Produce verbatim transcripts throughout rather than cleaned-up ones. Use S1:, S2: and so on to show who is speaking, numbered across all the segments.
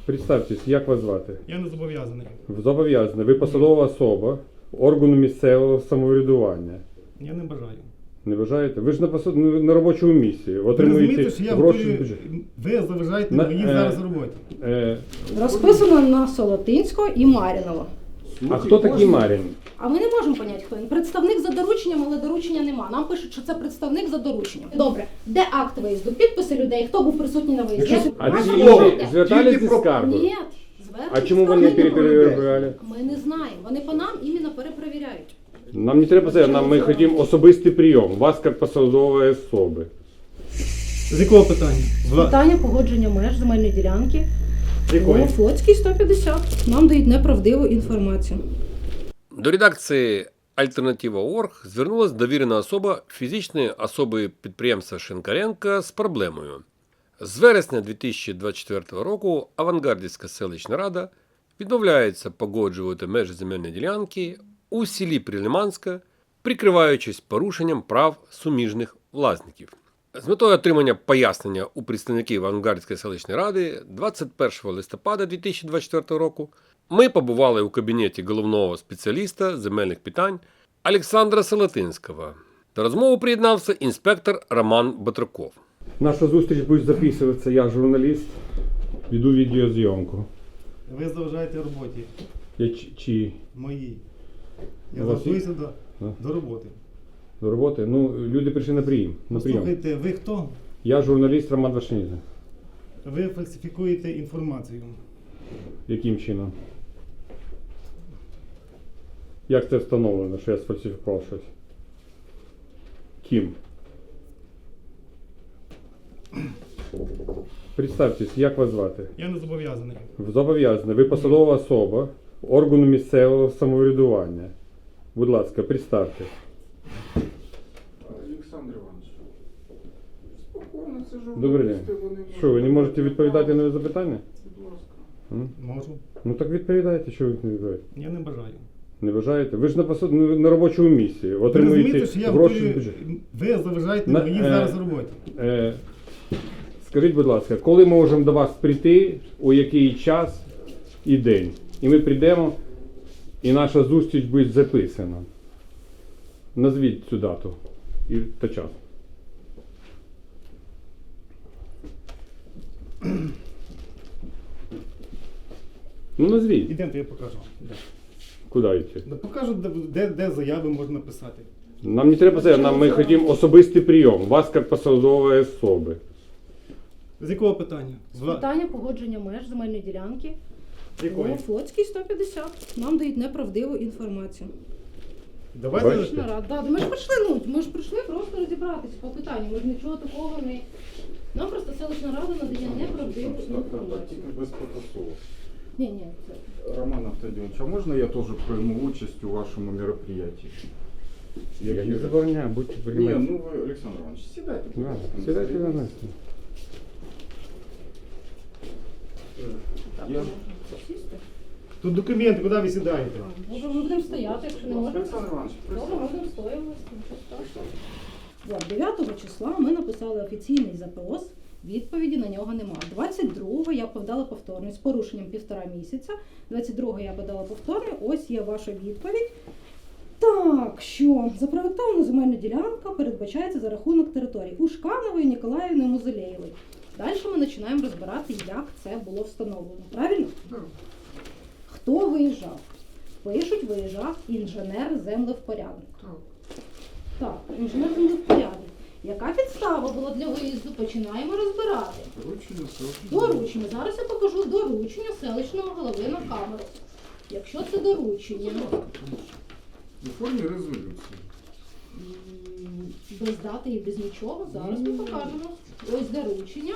S1: Представтесь, як вас звати?
S2: Я не зобов'язаний.
S1: Зобов'язаний. Ви посадова особа органу місцевого самоврядування.
S2: Я не бажаю.
S1: Не вважаєте? Ви ж на, посад... на робочому місці.
S2: Ви
S1: Отримуєте
S2: розумієте, що я
S1: гроші.
S2: готую... Ви заважаєте
S1: На-
S2: мені
S1: е,
S2: зараз роботі.
S1: Е,
S3: Розписано на Солотинського і Марінова.
S1: а хто такий Марін?
S3: А ми не можемо поняти, хто він. Представник за дорученням, але доручення нема. Нам пишуть, що це представник за дорученням. Добре, де акт виїзду? Підписи людей, хто був присутній на виїзді? Я-
S1: А
S3: Наша
S1: ці
S3: робота.
S1: люди звертались зі скаргою?
S3: Ні, звернення
S1: А чому вони
S3: скарги немає.
S1: перепровіряли?
S3: Ми не знаємо. Вони по нам іменно перепровіряють.
S1: Нам не треба це, нам ми хотімо особистий прийом. Вас як посадової особи.
S2: З якого питання? Вла...
S3: Питання погодження меж земельної ділянки.
S2: З якої?
S3: О, Флотський сто п'ятдесят. Нам дають неправдиву інформацію.
S4: До редакції Альтернатива точка орг звернулася довірена особа фізичної особи підприємства Шинкаренка з проблемою. З вересня дві тисячі двадцять четвертого року Авангардівська селищна рада відмовляється погоджувати межі земельної ділянки у селі Прилиманська, прикриваючись порушенням прав суміжних власників. З метою отримання пояснення у представників Авангардської селищної ради двадцять першого листопада дві тисячі двадцять четвертого року ми побували у кабінеті головного спеціаліста з земельних питань Олександра Солотинського. До розмови приєднався інспектор Роман Батраков.
S1: Наша зустріч буде записуватися, я журналіст, веду відеозйомку.
S2: Ви заважаєте роботі
S1: Я чи, чи
S2: моїй. Я
S1: У вас
S2: готуюся до,
S1: А?
S2: до роботи.
S1: до роботи? Ну, люди прийшли на прийом. На прийом.
S2: Слухайте, ви хто?
S1: Я журналіст Роман Вашиніза.
S2: Ви фальсифікуєте інформацію.
S1: Яким чином? Як це встановлено, що я сфальсифікував щось? Ким? Представтесь, як вас звати?
S2: Я не зобов'язаний.
S1: Зобов'язаний. Ви посадова особа органу місцевого самоврядування. Будь ласка, представте.
S5: Олександр Іванович, спокійно, це журналісти,
S1: Добрий день.
S5: вони
S1: Що, ви не можете
S5: можуть
S1: відповідати на запитання?
S5: Будь ласка.
S1: М?
S2: Можу.
S1: Ну так відповідайте, що ви не відповідаєте.
S2: Я не бажаю.
S1: Не вважаєте? Ви ж на, посад... на робочому місці.
S2: Ви
S1: Отримуєте
S2: розумієте, що я
S1: гроші.
S2: готую...
S1: з бюджету.
S2: Ви заважаєте
S1: На-
S2: мені
S1: е,
S2: зараз роботі.
S1: Е, скажіть, будь ласка, коли ми можемо до вас прийти, у який час і день? І ми прийдемо, і наша зустріч буде записана. Назвіть цю дату і та час. Ну назвіть.
S2: Ідемте, я покажу. Де.
S1: Куди йти?
S2: Да покажу, де, де, де заяви можна писати.
S1: Нам не треба це, нам ми хочемо особистий прийом. Вас як посадової особи.
S2: З якого питання? Вла...
S3: Питання погодження меж земельної ділянки.
S2: З якої?
S3: О, Флотський сто п'ятдесят. Нам дають неправдиву інформацію.
S2: Давайте.
S1: Бачите?
S3: Селищна рада. Да, ми ж прийшли, ну, ми ж прийшли просто розібратися по питанню. Ми ж нічого такого не... Нам просто селищна рада надає неправдиву інформацію.
S5: Тільки без протоколу.
S3: Ні, ні, це...
S5: Роман Автодінович, а можна я теж прийму участь у вашому мероприятии?
S1: Я не забороняю, будьте
S5: Ні,
S1: приймати.
S5: ну ви, Олександр Іванович, сідайте. будь
S1: Да,
S5: ласка, на
S1: сідайте
S5: стільці.
S1: на нас.
S5: Я...
S3: Сісти?
S2: Тут документи, куди ви сідаєте?
S3: Може, ми будемо стояти, якщо не можемо.
S5: Олександр Іванович,
S3: Добре,
S5: присядьте.
S3: можемо стояти. От, дев'ятого числа ми написали офіційний запрос, відповіді на нього нема. двадцять другого я подала повторний з порушенням півтора місяця. двадцять другого я подала повторний, ось є ваша відповідь. Так, що запроектована земельна ділянка передбачається за рахунок територій Ушканової, Ніколаївни, Музелєєвої. Далі ми починаємо розбирати, як це було встановлено. Правильно?
S5: Так.
S3: Хто виїжджав? Пишуть, виїжджав інженер-землевпорядник.
S5: Так.
S3: Так, інженер-землевпорядник. Яка підстава була для виїзду? Починаємо розбирати.
S5: Доручення селищної.
S3: Доручення. Зараз я покажу доручення селищного голови на камеру. Якщо це доручення
S5: У формі резолюції.
S3: м, без дати і без нічого, зараз ми покажемо. Ось доручення.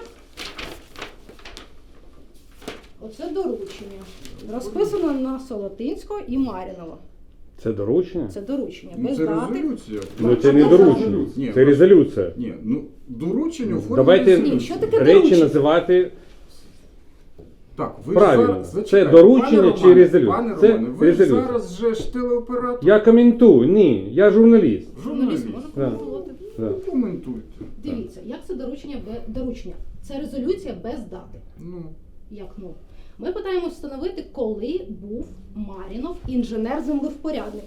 S3: Оце доручення. Розписано на Солотинського і Марінова.
S1: Це доручення?
S3: Це доручення.
S5: Ну,
S3: Без
S5: це
S3: дати.
S5: резолюція.
S1: Ну це не
S3: А,
S1: доручення,
S5: Ні,
S1: це резолюція.
S5: Ні, ну доручення у формі
S1: Давайте
S5: резолюції.
S3: Ні, що таке
S1: речі
S3: доручення?
S1: називати
S5: Так, ви
S1: правильно.
S5: зараз...
S1: Це
S5: зачекайте,
S1: доручення
S5: пане
S1: чи
S5: Романе,
S1: резолюція?
S5: Пане
S1: Це
S5: Романе, ви
S1: резолюція.
S5: зараз же ж телеоператор.
S1: Я коментую, ні, я журналіст.
S3: Журналіст може
S1: Да.
S3: коментувати.
S1: Да.
S5: Ну, коментуйте.
S3: Дивіться, як це доручення без доручення? Це резолюція без дати.
S5: Ну,
S3: Як ну? Ми питаємо встановити, коли був Марінов інженер-землевпорядник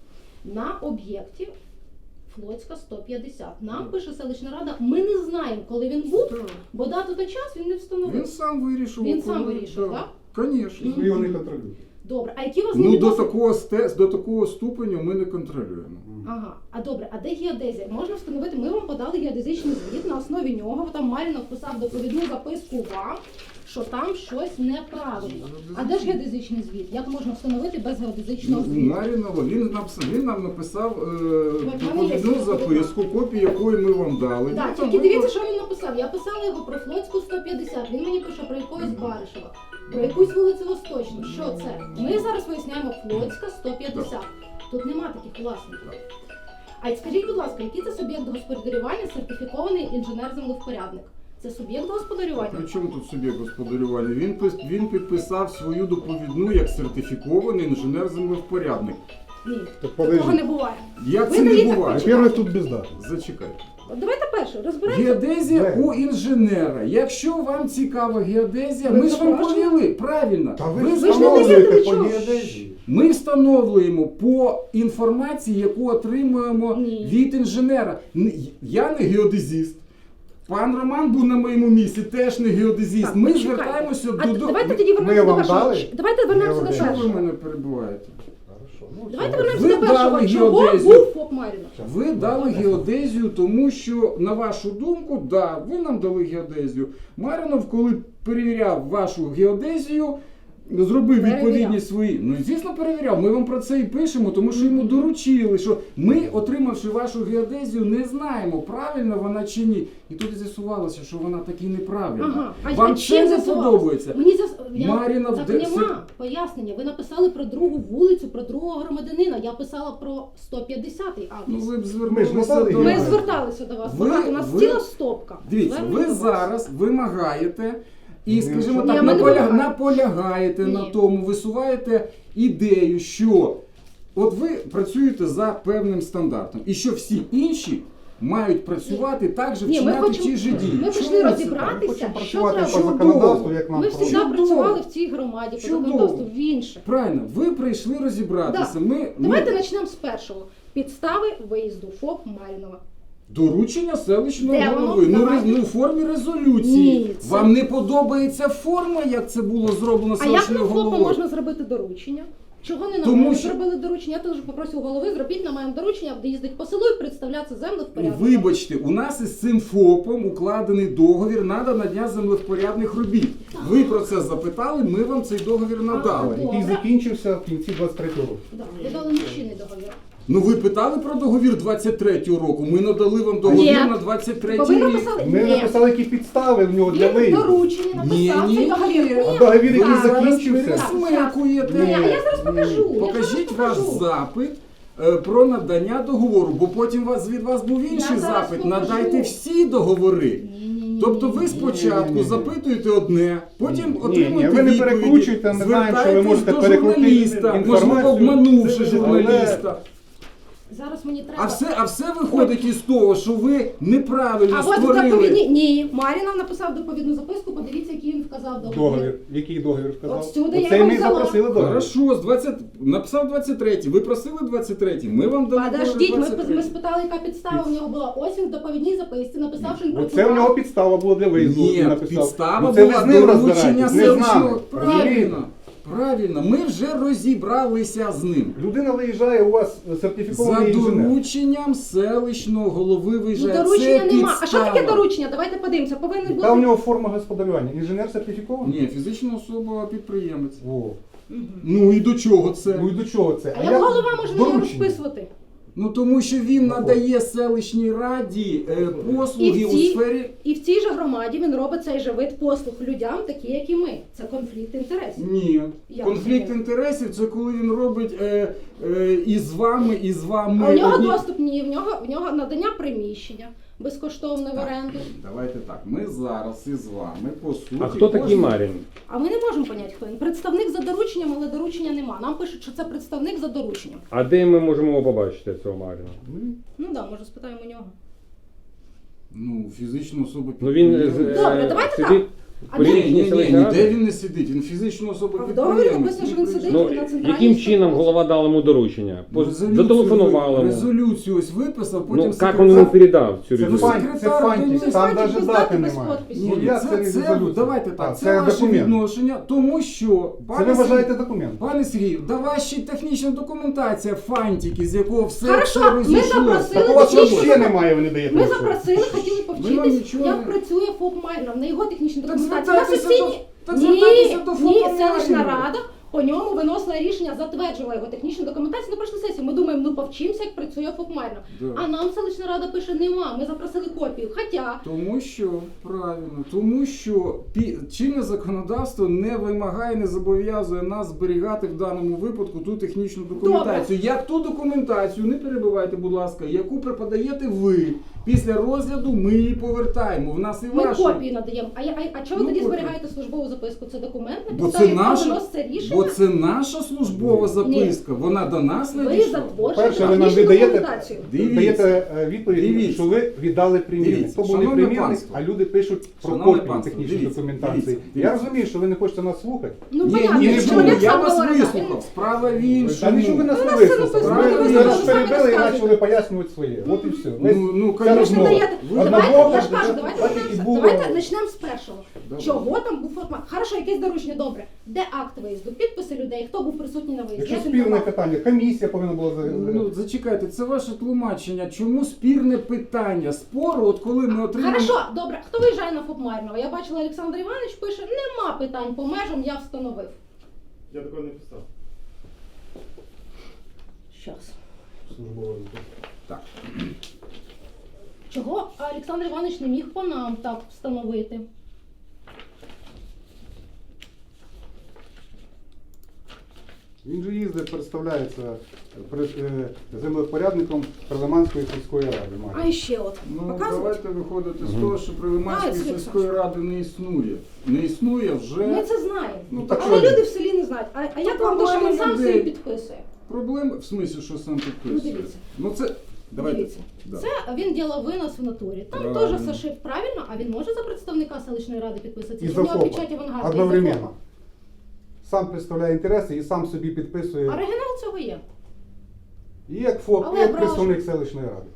S3: на об'єкті Флотська сто п'ятдесят. Нам пише селищна рада, ми не знаємо, коли він був, бо дату та час він не встановив.
S5: Він сам вирішив.
S3: Він сам
S5: коли-
S3: вирішив,
S5: да.
S3: так?
S5: Звісно.
S2: Ви його не контролюєте.
S3: Добре, а які у вас
S5: Ну, до
S3: відносини?
S5: такого, сте- до такого ступеню ми не контролюємо.
S3: Ага, а добре, а де геодезія? Можна встановити, ми вам подали геодезичний звіт, на основі нього там Марінов писав доповідну записку вам, що там щось неправильно. А де ж геодезичний звіт? Як можна встановити без геодезичного
S5: Ну,
S3: звіту?
S5: Марінова, він написав, він нам написав е,
S3: мене є
S5: доповідну
S3: доповідна.
S5: записку, копію якої ми вам дали.
S3: Так,
S5: Ну,
S3: тільки
S5: там
S3: дивіться,
S5: ми-
S3: що він написав. Я писала його про Флотську сто п'ятдесят, він мені пише про якогось Баришева, про якусь вулицю Восточну. Що це? Ми зараз виясняємо Флотська сто п'ятдесят. Тут нема таких власників. А й скажіть, будь ласка, який це суб'єкт господарювання сертифікований інженер-землевпорядник? Це суб'єкт господарювання?
S5: При чому тут суб'єкт господарювання? Він, пис- він підписав свою доповідну як сертифікований інженер-землевпорядник.
S3: Ні,
S2: Так
S3: такого
S2: подожди.
S3: не буває.
S5: Як
S3: Ви
S5: це не
S3: даєте
S5: буває?
S3: почитати.
S2: Перший тут без дати.
S5: Зачекайте.
S3: От давайте перше, розберемося.
S5: Геодезія
S2: Де?
S5: у інженера. Якщо вам цікава геодезія,
S3: Ви
S5: ми ж вам
S3: запрошуєте?
S5: повіли. Правильно.
S2: Та ви
S5: Ви
S2: ж
S3: Ви ж не
S5: встановлюєте-
S3: даєте
S2: по
S3: нічого.
S2: геодезії.
S5: Ми встановлюємо по інформації, яку отримуємо
S3: Ні.
S5: від інженера. Н- Я не геодезіст. Пан Роман був на моєму місці, теж не геодезіст.
S3: Так,
S5: Ми
S3: почекайте.
S5: звертаємося
S3: А
S5: до...
S3: давайте
S5: Ви-
S3: тоді вернемося
S2: Ми
S3: до
S2: вам
S3: першого.
S2: дали?
S3: Давайте вернемося до
S2: Геодезію.
S5: Чого ви
S3: першого.
S5: мене перебуваєте?
S2: Хорошо. Ну,
S3: Давайте
S2: все.
S3: вернемося
S5: Ви
S3: до першого.
S5: дали
S3: Чого
S5: геодезію.
S3: був ФОП Марінов?
S5: Ви дали геодезію, тому що, на вашу думку, да, ви нам дали геодезію. Маринов, коли перевіряв вашу геодезію, зробив
S3: Перевіряв.
S5: відповідні свої. Ну, звісно, перевіряв. Ми вам про це і пишемо, тому що йому доручили, що ми, отримавши вашу геодезію, не знаємо, правильно вона чи ні. І тут з'ясувалося, що вона таки неправильна.
S3: Ага. А
S5: Вам
S3: чим
S5: це не
S3: з'ясувалося?
S5: подобається.
S3: Мені зас... я...
S5: Марінов,
S3: так
S5: де-
S3: нема пояснення. Ви написали про другу вулицю, про другого громадянина. Я писала про сто п'ятдесятий
S5: Ну,
S3: адрес.
S5: ви б
S2: Ми ж
S5: звернулися
S2: надали
S5: до
S3: Ми
S5: нас.
S3: зверталися до вас.
S5: Ви-
S3: Багато. У нас
S5: ви-
S3: ціла стопка.
S5: Дивіться,
S3: Звернень
S5: ви
S3: до вас.
S5: зараз вимагаєте і,
S2: Ні,
S5: скажімо
S2: що-
S5: так,
S3: Ні, ми не
S5: наполя...
S3: вимагаємо.
S5: наполягаєте
S3: Ні.
S5: на тому, висуваєте ідею, що от ви працюєте за певним стандартом, і що всі інші мають працювати так же,
S3: Ні, ми
S5: вчиняти
S3: хочемо-
S5: ті ж дії.
S3: Ми
S5: Чому
S3: прийшли
S5: це так?
S3: розібратися,
S2: Хочемо
S3: що
S2: працювати по
S3: треба.
S2: законодавству, як нам
S3: Ми ж
S2: просять.
S3: завжди
S5: Чудово.
S3: працювали в цій громаді, по
S5: Чудово.
S3: законодавству в інших.
S5: Правильно, ви прийшли розібратися.
S3: Да.
S5: Ми,
S3: Давайте
S5: ми...
S3: почнемо з першого. Підстави виїзду ФОП Марінова.
S5: Доручення селищного
S3: Де воно?
S5: голови. Ну,
S3: Давайте.
S5: роз- ну, у формі резолюції.
S3: Ні, це-
S5: Вам не подобається форма, як це було зроблено
S3: А як на
S5: селищною
S3: ФОПа
S5: головою?
S3: можна зробити доручення? Чого не на
S5: Тому
S3: мене
S5: що-
S3: зробили доручення? Я теж попросив голови, зробіть на мене доручення, де їздить по селу і представлятися землю в порядку.
S5: Вибачте, у нас із цим ФОПом укладений договір на надання землевпорядних робіт. Ви про це запитали, ми вам цей договір надали.
S3: Ага.
S2: Який закінчився в кінці двадцять третього року.
S3: Да, ви дали чинний договір.
S5: Ну ви питали про договір двадцять третього року. Ми надали вам договір
S3: Ні.
S5: на двадцять
S3: Бо
S5: третій
S3: ви
S5: рік.
S3: написали,
S2: Ми
S3: ні,
S2: написали, які підстави в нього для
S3: він
S2: виїзду.
S3: доручення
S5: Ні,
S3: написав,
S5: ні,
S3: цей договір.
S5: ні.
S2: А договір, який
S3: Так.
S2: закінчився.
S3: Так.
S5: Смикуєте.
S3: Ні, а я зараз покажу. я зараз
S5: Покажіть ваш
S3: покажу.
S5: запит е, про надання договору, бо потім вас, від вас був інший
S3: зараз
S5: запит.
S3: покажу.
S5: Надайте всі договори.
S3: Ні-ні-ні.
S5: Тобто ви спочатку
S2: Ні-ні-ні.
S5: запитуєте одне, потім
S2: Ні, ні,
S5: отримуєте
S2: ви не
S5: відповіді,
S2: перекручуйте, ми знаємо, що ви
S5: звертаєтесь
S2: можете
S5: до
S2: перекрутити
S5: журналіста, можливо,
S2: інформацію.
S5: обманувши
S2: Це-
S5: журналіста.
S3: Зараз мені треба.
S5: А все, а все виходить із того, що ви неправильно
S3: А от
S5: створили.
S3: доповідні. Ні, Марінов написав доповідну записку, подивіться, який він вказав договір.
S2: Договір. Який договір вказав?
S3: От сюди я
S2: Оцей
S3: його
S2: ми
S3: взяла.
S2: запросили договір.
S5: Хорошо, з двадцять написав двадцять третій. Ви просили двадцять третій. Ми вам дали
S3: Подождіть, ми,
S5: двадцять
S3: ми
S5: третій.
S3: спитали, яка підстава у нього була. Ось він в доповідній записці написав, що він
S2: Оце в нього підстава була для виїзду.
S5: Ні,
S2: він написав.
S5: підстава
S2: Ну, це ви
S5: була
S2: з ним
S5: доручення
S2: розбираєтесь, не з
S5: селищного.
S2: нами. Розумієте?
S5: Правильно, правильно. Ми вже розібралися з ним.
S2: Людина виїжджає, у вас
S5: За
S2: сертифікований інженер.
S5: дорученням селищного голови
S3: Ну,
S5: виїжджає.
S3: доручення
S5: Це
S3: нема. А що таке
S5: підстава.
S3: доручення? Давайте подивимося. Повинен
S2: Яка у
S3: бути.
S2: нього форма господарювання? Інженер сертифікований?
S5: Ні, фізична особа підприємець.
S2: О.
S5: Ну і до чого це?
S2: Ну і до чого це?
S3: А як голова може на нього
S2: доручення.
S3: розписувати?
S5: Ну тому що він
S2: Ну,
S5: надає селищній раді е, послуги
S3: І в
S5: у
S3: цій-
S5: сфері.
S3: І в цій же громаді він робить цей же вид послуг людям, такі як і ми. Це конфлікт інтересів.
S5: Ні.
S3: Як
S5: Конфлікт
S3: це?
S5: інтересів це коли він робить е, е, і з вами, і з вами.
S3: А у нього
S5: одні-
S3: доступ ні, в нього в нього надання приміщення безкоштовне в оренду.
S5: Давайте так. Ми зараз із вами по суті.
S1: А хто такий
S5: кожен-
S1: Марін?
S3: А ми не можемо поняти, хто він. Представник за дорученням, але доручення нема. Нам пишуть, що це представник за дорученням.
S1: А де ми можемо його побачити, цього Маріна?
S3: Ну так, да, може спитаємо у нього.
S5: Ну, фізична особа
S1: Ну він
S5: підприємець.
S1: е,
S3: Добре, давайте
S1: сидить,
S3: А
S1: При
S3: де-
S5: Ні,
S1: рішенні
S5: ні,
S1: селищної
S5: ніде
S1: ради?
S5: він не сидить, він фізична особа
S3: А в договорі
S5: підприємець.
S3: написано, що він сидить
S1: Ну,
S3: на центральній
S1: яким чином
S3: стороні.
S1: голова дала йому доручення? По-
S5: Резолюцію
S1: Зателефонувала
S5: ви-
S1: йому.
S5: Резолюцію ось виписав, потім
S1: Ну, як
S5: секретар-
S1: він йому передав цю
S5: Це
S2: Це
S1: резолюцію?
S2: фантик, це
S5: секретар
S2: фантик,
S5: Денис.
S2: там
S3: Фантик
S2: навіть
S3: без
S2: дати
S3: дати, без
S2: немає.
S3: підпису.
S5: Ні,
S2: Ну,
S5: ні,
S2: як
S5: це,
S2: це
S5: це,
S2: резолюція?
S5: давайте так,
S2: А,
S5: це,
S2: це
S5: ваше
S2: документ.
S5: відношення, тому що,
S2: Це
S5: пане
S2: ви вважаєте
S5: Сергій,
S2: документ.
S5: пане Сергій, да ваша технічна документація, фантики, з якого все,
S3: Хорошо,
S5: все
S3: ми
S5: розійшлося.
S3: запросили-
S2: Так у вас
S3: технічну
S2: взагалі
S3: документ-
S2: немає, ви не даєте.
S3: Ми
S2: нічого.
S3: запросили, хотіли
S5: Ми вам
S3: повчитись,
S5: нічого
S3: як
S5: не-
S3: працює ФОП Майнов, на його технічну
S5: Так
S3: документацію. На
S5: звертайтеся
S3: сесійні...
S5: до- так
S3: Ні,
S5: звертайтеся до
S3: ні,
S5: ФОПа
S3: селищна
S5: Майнова.
S3: рада по ньому виносила рішення, затверджувала його технічну документацію на прошлу сесію. Ми думаємо, ну повчимося, як працює ФОП Майнов.
S5: Да.
S3: А нам селищна рада пише, нема, ми запросили копію. Хоча
S5: Тому що, правильно, тому що пі- чинне законодавство не вимагає, не зобов'язує нас зберігати в даному випадку ту технічну документацію. Як ту документацію, не перебивайте, будь ласка, яку преподаєте ви, після розгляду ми її повертаємо. В нас і
S3: ми
S5: ваша.
S3: копії надаємо. А, я- а, а чого ви
S5: Ну,
S3: тоді
S5: копію.
S3: зберігаєте службову записку? Це документ, на
S5: Бо це
S3: підставі якого
S5: наша,
S3: виноситься рішення.
S5: бо це наша службова записка. Вона до нас
S3: Ви
S5: надійшла.
S3: затворюєте
S2: Перше, ви нам
S3: технічну
S2: віддаєте,
S3: документацію.
S5: Дивіться.
S2: даєте е, відповідь,
S5: Дивіться.
S2: що ви віддали примірник.
S5: Дивіться.
S2: То був не
S5: Шановне
S2: примірник,
S5: панство.
S2: а люди пишуть про
S5: Шановне
S2: копію
S5: панство,
S2: технічної
S5: дивіться,
S2: документації.
S5: дивіться,
S2: Я
S5: дивіться.
S2: розумію, що ви не хочете нас слухати.
S3: Ну,
S5: Ні,
S3: понятно,
S5: ні,
S2: не
S5: ні,
S3: чоловік
S5: я
S3: сам
S5: вас
S3: говорить,
S5: вислухав. Справа в іншому.
S2: Та нічого ви нас не
S3: Ну, це
S2: вислухали.
S3: написано,
S2: Ви
S5: ви
S2: ви
S5: самі
S2: нас перебили і
S3: розказуєте.
S2: почали пояснювати своє. От і все. Ми-
S5: Ну, ну,
S2: ця
S5: конечно.
S3: Ви ж не
S2: розмова.
S3: даєте.
S2: Одна
S3: Давайте,
S2: бока,
S3: я ж кажу,
S2: так,
S3: давайте
S2: так,
S3: почнемо
S2: і
S3: з-
S2: було.
S3: давайте почнемо з першого.
S5: Давай.
S3: Чого там був формат? Хорошо, якесь доручення, добре. Де акт виїзду? Підписи людей, хто був присутній на виїзді?
S2: Якщо
S3: Як він
S2: спірне
S3: давав?
S2: питання, комісія повинна була за-
S5: Ну, зачекайте, це ваше тлумачення. Чому спірне питання спору, от коли ми отримаємо...
S3: Хорошо, добре. Хто виїжджає на ФОП Марнова? Я бачила, Олександр Іванович пише, нема питань по межам, я встановив.
S6: Я такого не писав.
S3: Щас.
S2: службова.
S5: Так.
S3: Чого Олександр Іванович не міг по нам так встановити?
S2: Він же їздить, представляється при- е, землепорядником Прилиманської сільської ради. має.
S3: А ще от.
S5: Ну,
S3: Показувати?
S5: давайте виходити з того, що Прилиманської
S3: Давай,
S5: сільської ради не існує. Не існує вже...
S3: Ми це знаємо.
S5: Ну, так
S3: Але
S2: що?
S3: люди в селі не знають. А, а як
S5: Ну,
S3: вам то, що він
S5: проблема
S3: сам
S5: людей.
S3: собі підписує?
S5: Проблем, в смислі, що сам підписує?
S3: Ну, дивіться.
S5: Ну, це... Давайте.
S3: Дивіться,
S5: Да.
S3: це він ділав винос в натурі. Там
S5: Правильно.
S3: теж Сашив правильно, а він може за представника селищної ради підписатися?
S2: І
S3: Чи
S2: за
S3: в нього
S2: ФОПа.
S3: печать авангарду?
S2: Одновременно. Сам представляє інтереси і сам собі підписує.
S3: Оригінал цього є.
S2: І як ФОП,
S3: Але
S2: і як
S3: браш-
S2: представник селищної ради.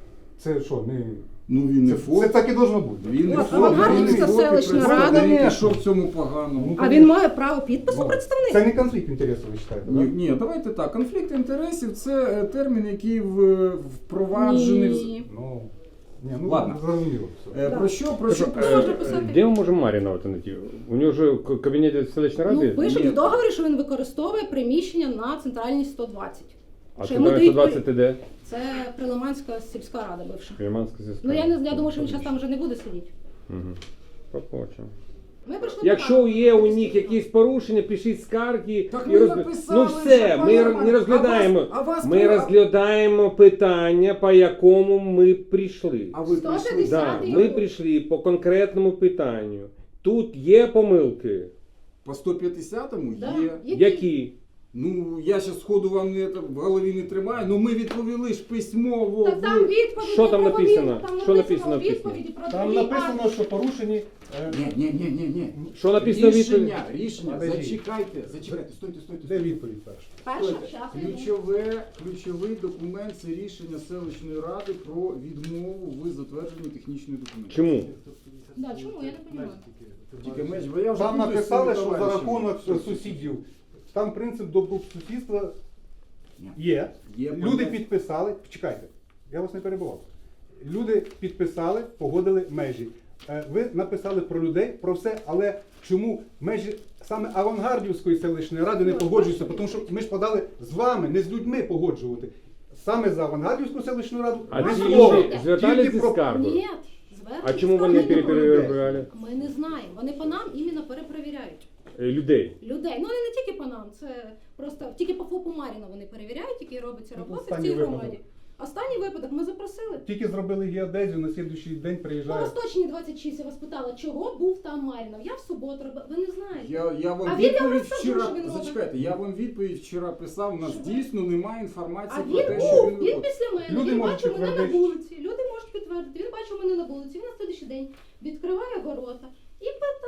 S2: Це що, не...
S5: Ну, він не
S2: Це,
S5: ФОП.
S2: це так і должно бути.
S5: Він не
S3: От,
S5: ФОП, він
S3: Авангардівська
S5: не ФОП, і
S3: селищна
S5: представник.
S2: рада.
S5: І що в цьому поганого?
S2: Ну,
S3: А він має право підпису
S2: Ну,
S3: представника?
S2: Це не конфлікт інтересів, ви вважаєте,
S5: Ні,
S2: так?
S5: ні, давайте так. Конфлікт інтересів це е, термін, який в, впроваджений. в-
S3: Ні.
S2: Ну, ні, ну
S5: Ладно.
S2: зрозуміло. Все.
S5: Е,
S3: Да.
S5: Про що, про що?
S3: Е, можна писати.
S1: Де ми можемо Маріна знайти? У нього ж в кабінеті селищної
S3: Ну,
S1: ради?
S3: пишуть
S5: Ні.
S3: в договорі, що він використовує приміщення на центральній сто двадцять.
S1: А
S3: що
S1: це
S3: йому дають
S1: сто двадцять де?
S3: Це Прилиманська сільська рада бивша.
S1: Креманська сільська.
S3: Ну я не я думаю, що він зараз там вже не буде сидіти.
S1: Угу. Побачимо.
S3: Ми прийшли
S1: Якщо
S3: покажемо.
S1: є у них якісь порушення, пишіть скарги.
S5: Так
S1: і
S5: ми
S1: розб-
S5: написали
S1: Ну все,
S5: вже,
S1: ми
S5: пане
S1: р-
S5: Романе.
S1: не розглядаємо.
S5: А вас- а вас
S1: Ми
S5: треба-
S1: розглядаємо питання, по якому ми прийшли.
S5: А ви
S3: сто
S5: прийшли?
S3: п'ятдесят.
S1: Да,
S3: його.
S1: ми прийшли по конкретному питанню. Тут є помилки.
S5: По сто п'ятдесятому
S3: Да.
S5: є.
S3: Які?
S1: Які?
S5: Ну, я зараз сходу вам не, це в голові не тримаю, ну ми відповіли ж письмово.
S3: Так там
S5: ви-
S3: відповіді.
S1: Що там
S3: про
S1: написано?
S3: відповіді, Там
S1: Що написано
S3: написано
S1: в письмі?
S3: відповіді про
S2: Там
S3: другий
S2: написано,
S3: акт.
S2: що порушені. е,
S5: Ні, ні, ні, ні, ні.
S1: Що написано в відповіді?
S5: Рішення, рішення,
S2: Подожди.
S5: зачекайте, зачекайте, стойте, стойте.
S2: Де
S5: стойте.
S2: відповідь перша?
S3: Перша,
S5: Стойте.
S3: щас я йду.
S5: Ключове, ключовий документ це рішення селищної ради про відмову в затвердженні технічної документації.
S1: Чому?
S3: Да, чому? Я не розумію.
S5: Тільки меж, бо я вже
S2: Там
S5: путаюсь з
S2: написали,
S5: своїми
S2: що за
S5: товаришами.
S2: рахунок сусідів. Там принцип добросусідства
S5: Ні.
S2: є.
S5: Є
S2: Люди
S5: поняття.
S2: підписали. Чекайте, я вас не перебував. Люди підписали, погодили межі. Е, Ви написали про людей, про все, але чому межі саме Авангардівської селищної ради не
S3: Ну,
S2: погоджуються?
S3: бачите.
S2: Тому що ми ж подали з вами, не з людьми погоджувати. Саме за Авангардівську селищну раду.
S1: А
S2: без
S1: ці
S2: слова.
S1: люди звертались
S2: Тільки
S1: зі
S2: про-
S1: скаргою?
S3: Ні, звернення
S1: А чому вони
S3: скарги не було.
S1: перепровіряли
S3: Ми не знаємо. Вони по нам іменно перепровіряють.
S1: Е, людей?
S3: Людей. Ну не, не тільки по нам, це просто тільки по ФОПу Маріна вони перевіряють, які робиться
S2: Ну,
S3: роботи в
S2: останній
S3: цій
S2: випадок.
S3: громаді. Останній випадок ми запросили.
S2: Тільки зробили геодезію, на слідуючий день
S3: По
S2: приїжджає.
S3: Восточній двадцять шість я вас питала, чого був там Марінов. Я в суботу робила. Ви не знаєте.
S5: Я, я вам
S3: А він вам
S5: відповідь
S3: розкажу,
S5: вчора.
S3: що він робить.
S5: Зачекайте, я вам відповідь вчора писав. У нас
S3: Що?
S5: дійсно немає
S3: А
S5: інформації
S3: він
S5: про те, що
S3: був,
S5: він
S3: він
S5: виконує.
S3: після мене,
S2: Люди
S3: він
S2: можуть
S3: бачив мене на
S2: підтвердити.
S3: вулиці. Люди можуть підтвердити. Він бачив мене на вулиці, він на слідуючий день відкриває ворота і питає, а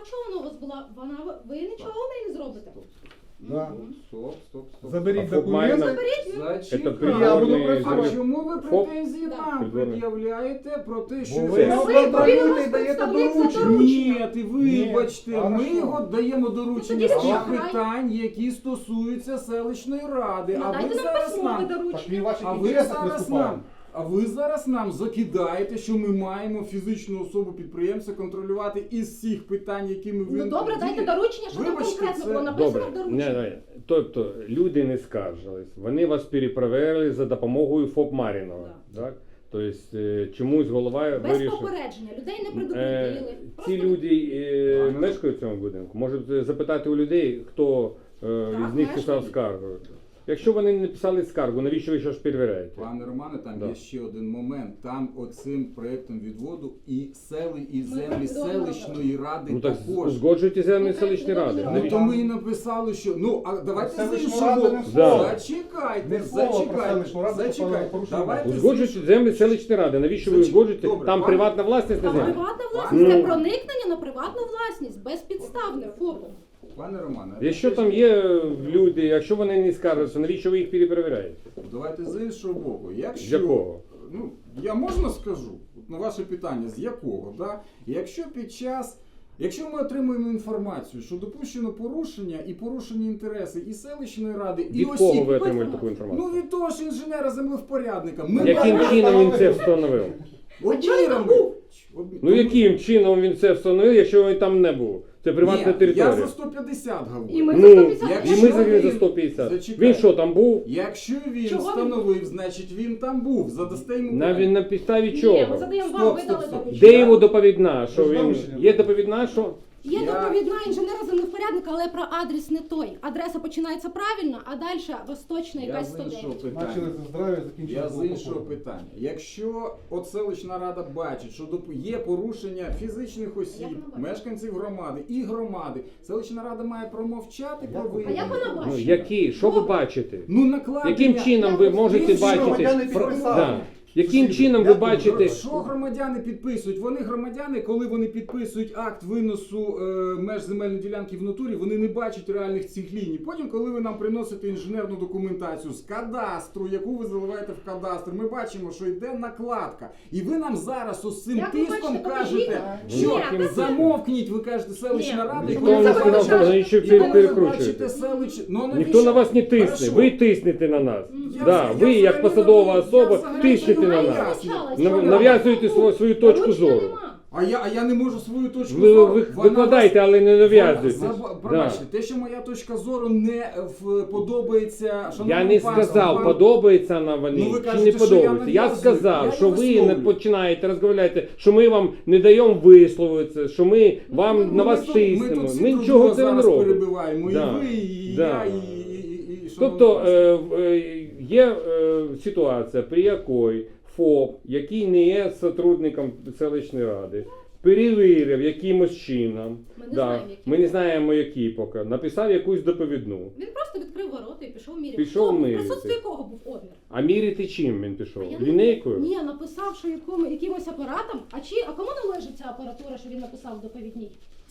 S3: чого вона у вас була? Вона ви нічого в неї не зробите.
S2: Да.
S5: Стоп, стоп, стоп.
S2: Заберіть
S1: А ФОП має
S2: документи.
S1: на- Это
S5: Зачекайте.
S2: Я буду
S1: придворный
S2: працювати.
S5: А чому ви
S1: ФОП?
S5: претензії
S3: Да.
S5: нам
S1: Придворний.
S5: пред'являєте про те, що
S2: Бо
S5: це-
S2: ви
S3: Ну,
S2: його
S3: ви повинні
S2: контролюєте
S3: вас
S2: і даєте
S3: представник за
S2: доручення.
S3: доручення.
S5: Ні, ти вибачте,
S2: Ні,
S5: ми
S2: хорошо.
S5: його даємо доручення
S3: тоді
S5: з тих
S3: чекай.
S5: питань, які стосуються селищної ради. А ви
S3: Надайте нам
S5: зараз
S3: письмове
S5: нам,
S2: Так він
S3: доручення.
S2: в ваших
S5: а ви
S2: інтересах
S5: зараз
S2: виступає.
S5: нам, а ви зараз нам закидаєте, що ми маємо фізичну особу підприємця контролювати із всіх питань, якими ви
S3: Ну добре, дайте доручення, що там
S5: Вибачте,
S3: конкретно
S5: це-
S3: було написано
S1: Добре.
S3: в
S1: Ні,
S3: дорученні.
S1: ні. Тобто люди не скаржились, вони вас перепроверили за допомогою ФОП Марінова. Так? Тобто е, чомусь голова
S3: Без
S1: вирішив.
S3: попередження, людей не
S1: Е,
S3: предупредили.
S1: Ці
S3: Просто
S1: люди е, мешкають в цьому будинку. Можуть запитати у людей, хто е,
S3: Так,
S1: із них писав
S3: мешкають.
S1: скаргу. Якщо вони не писали скаргу, навіщо ви щось перевіряєте?
S5: Пане Романе, там
S1: Да.
S5: є ще один момент. Там оцим проєктом відводу і сели, і землі
S3: Ми
S5: селищної ради
S1: Ну так
S5: також.
S1: узгоджуйте землі
S3: Ну,
S1: селищної
S3: так,
S1: ради.
S3: ну,
S5: Ну
S1: Навіщо?
S5: то ми і написали, що ну а давайте з
S2: Селищну
S5: іншого
S2: раду
S5: боку.
S2: не
S1: Да.
S5: Зачекайте,
S2: Не слово про
S5: зачекайте,
S2: селищну раду, про
S5: зачекайте.
S2: порушення.
S5: Давайте з
S1: Узгоджуйте
S5: іншого-
S1: землі селищної ради. Навіщо ви
S5: Зачек-
S1: узгоджуєте?
S5: Добре,
S1: Там
S5: пане-
S1: приватна власність на
S3: А
S1: землі.
S3: приватна власність
S1: Ну.
S3: це проникнення на приватну власність, безпідставне ФОПом.
S5: Пане Романе,
S1: Якщо там є люди, якщо вони не скаржаться, навіщо ви їх переперевіряєте?
S5: давайте з іншого боку.
S1: З
S5: Якщо
S1: якого?
S5: ну я можна скажу от на ваше питання, з якого, да? Якщо під час, якщо ми отримуємо інформацію, що допущено порушення і порушені інтереси і селищної ради, і
S1: Від кого
S5: осіб,
S1: ви отримуєте таку інформацію?
S5: ну від того ж інженера землевпорядника. Ми
S1: Яким
S5: бачимо-
S1: чином він це встановив?
S5: Одні
S3: чого він там
S5: рамки.
S3: був?
S5: Одні-
S1: Ну
S5: тому-
S1: яким чином він це встановив, якщо він там не був? Це приватна
S5: Ні,
S1: територія.
S5: Я за сто п'ятдесят говорю.
S3: І ми
S1: Ну,
S3: за сто п'ятдесят.
S5: якщо
S1: і ми за,
S5: він-
S1: за сто п'ятдесят.
S5: Зачекай.
S1: Він що, там був?
S5: Якщо він
S3: Чого він
S5: встановив, значить він там був. Задасте йому
S1: На,
S5: питання.
S1: на підставі
S3: Ні, ми
S1: чого?
S3: задаємо
S5: Стоп,
S3: вам,
S5: стоп,
S3: видали
S5: стоп.
S3: доручення.
S1: Де його доповідна? Що
S2: Це
S1: він...
S2: доручення
S1: Є
S2: було.
S1: доповідна, що?
S3: Є
S5: Я-
S3: доповідна інженера землевпорядника, але про адрес не той. Адреса починається правильно, а далі восточна
S5: Я
S3: якась
S5: з
S3: сто
S5: іншого
S3: дев'ять.
S5: питання.
S2: Почали за здрав'я, закінчили
S5: Я
S2: за
S5: з іншого
S2: алкоголь.
S5: питання. Якщо от селищна рада бачить, що доп- є порушення фізичних осіб,
S3: Як вона бачить?
S5: мешканців громади і громади, селищна рада має промовчати про
S2: Як-
S3: А
S5: виявлення.
S3: як вона
S1: Ну,
S3: бачить?
S1: які? Що ви бачите?
S5: Ну накладення.
S1: Яким чином ви можете
S5: Інші
S1: бачити?
S2: громадяни підписали.
S1: Да. Яким
S2: Сусіди,
S1: чином ви
S2: як
S1: бачите?
S5: Що громадяни підписують? Вони громадяни, коли вони підписують акт виносу е, меж земельної ділянки в натурі, вони не бачать реальних цих ліній. Потім, коли ви нам приносите інженерну документацію з кадастру, яку ви заливаєте в кадастр, ми бачимо, що йде накладка. І ви нам зараз ось цим
S3: Як ви
S5: тиском
S3: бачите,
S5: кажете,
S3: покажіть.
S5: що
S3: Ні, та це-
S5: замовкніть, ви кажете, селищна
S3: Ні.
S5: рада. і
S1: Ніхто
S5: коли
S1: не
S5: ви
S1: сказав,
S5: бачите-
S1: що навіщо
S5: і коли ви
S1: перекручуєте.
S5: бачите селищ- Ну, а
S1: Ніхто
S5: навіщо?
S1: на вас не тисне,
S5: Хорошо.
S1: ви тиснете на нас.
S5: Я
S1: Да,
S5: взагалі-
S1: ви,
S5: я
S1: як
S5: взагалі
S1: посадова
S5: не- я
S1: особа,
S5: взагалі
S1: тиснете
S5: не
S1: на
S5: знаю.
S1: нас.
S3: Почалась.
S1: Нав-
S3: Що ви
S1: Нав'язуєте
S3: робите?
S1: свою, свою точку
S3: Доручення
S1: зору.
S3: нема.
S5: А я, а я не можу свою точку
S1: Ви,
S5: зору.
S1: ви
S5: Вона
S1: викладайте, але не нав'язуйте.
S5: Заб-
S1: Да.
S5: Пробачте, те, що моя точка зору не в, подобається,
S1: Я
S5: шановному
S1: не
S5: панству,
S1: сказав,
S5: вам-
S1: подобається на вони
S5: Ну, ви
S1: чи
S5: кажете,
S1: не
S5: що я
S1: подобається. Я
S5: нав'язую.
S1: сказав,
S5: Я
S1: що
S5: не
S1: ви не
S5: висловлюю.
S1: починаєте розмовляти, що ми вам не даємо висловитися, що ми вам
S5: Ну,
S1: на
S5: ми
S1: вас
S5: тут-
S1: тиснемо.
S5: Ми, тут всі
S1: Ми
S5: друг
S1: нічого
S5: друга
S1: це не
S5: зараз
S1: робимо.
S5: перебиваємо.
S1: Да.
S5: І ви, і
S1: Да.
S5: я, і, і, і, і
S1: Тобто
S5: шановний
S1: е, в- е, є е, ситуація, при якій ФОП, який не є сотрудником селищної ради, перевірив якимось чином,
S3: Ми не
S1: да,
S3: знаємо, який.
S1: ми не знаємо, який поки, написав якусь доповідну.
S3: Він просто відкрив ворота і пішов міряти.
S1: Пішов
S3: Хто був?
S1: міряти.
S3: В присутстві кого був одмір?
S1: А міряти чим він пішов?
S3: А я не-
S1: Лінейкою?
S3: Ні, написав, що якому, якимось апаратом. А чи а кому належить ця апаратура, що він написав в доповідній?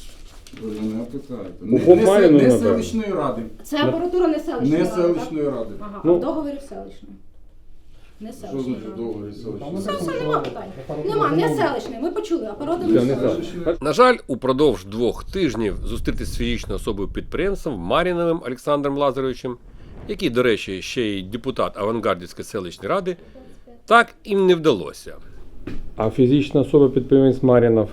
S5: Ви мене питаєте.
S1: У
S5: Не,
S1: Хоп
S5: не,
S1: Маріну,
S5: не
S1: напевно.
S5: селищної ради.
S3: Це апаратура не селищної
S5: Не
S3: ради, так?
S5: селищної ради.
S3: Ага,
S1: Ну.
S3: а в договорі селищної. Не
S5: Що
S3: селищної
S5: значить
S3: ради.
S5: договір
S2: Там
S5: селищної
S3: Все,
S2: написано,
S3: все,
S2: що
S3: нема питань.
S2: апаратура
S3: Нема, не
S2: замовлена.
S3: селищної. Ми почули, апаратура
S1: Я
S3: не
S1: не знаю.
S3: селищної.
S4: На жаль, упродовж двох тижнів зустрітися з фізичною особою підприємцем Маріновим Олександром Лазаровичем, який, до речі, ще й депутат Авангардівської селищної ради, так їм не вдалося.
S1: А фізична особа підприємець Марінов,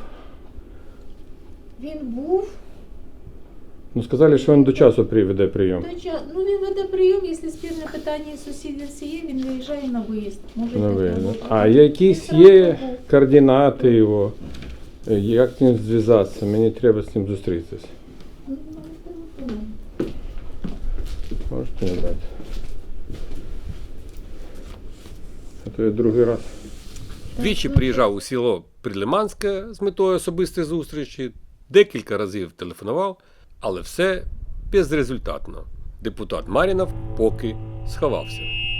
S7: Він був
S1: ну сказали, що він до часу приведе прийом.
S7: той час. Ну він веде прийом, якщо спірне питання із сусідів є, він виїжджає на виїзд. Може
S1: На
S7: йти
S1: виїзд.
S7: на
S1: А
S7: виїзд.
S1: якісь
S7: Він
S1: є
S7: зразу був.
S1: координати його? Е, Як з ним зв'язатися? Мені треба з ним зустрітися.
S7: Ну, ну, ну.
S1: Можете не дати? А то я другий раз.
S4: Двічі приїжджав у село Прилиманське з метою особистої зустрічі, декілька разів телефонував, але все безрезультатно. Депутат Марінов поки сховався.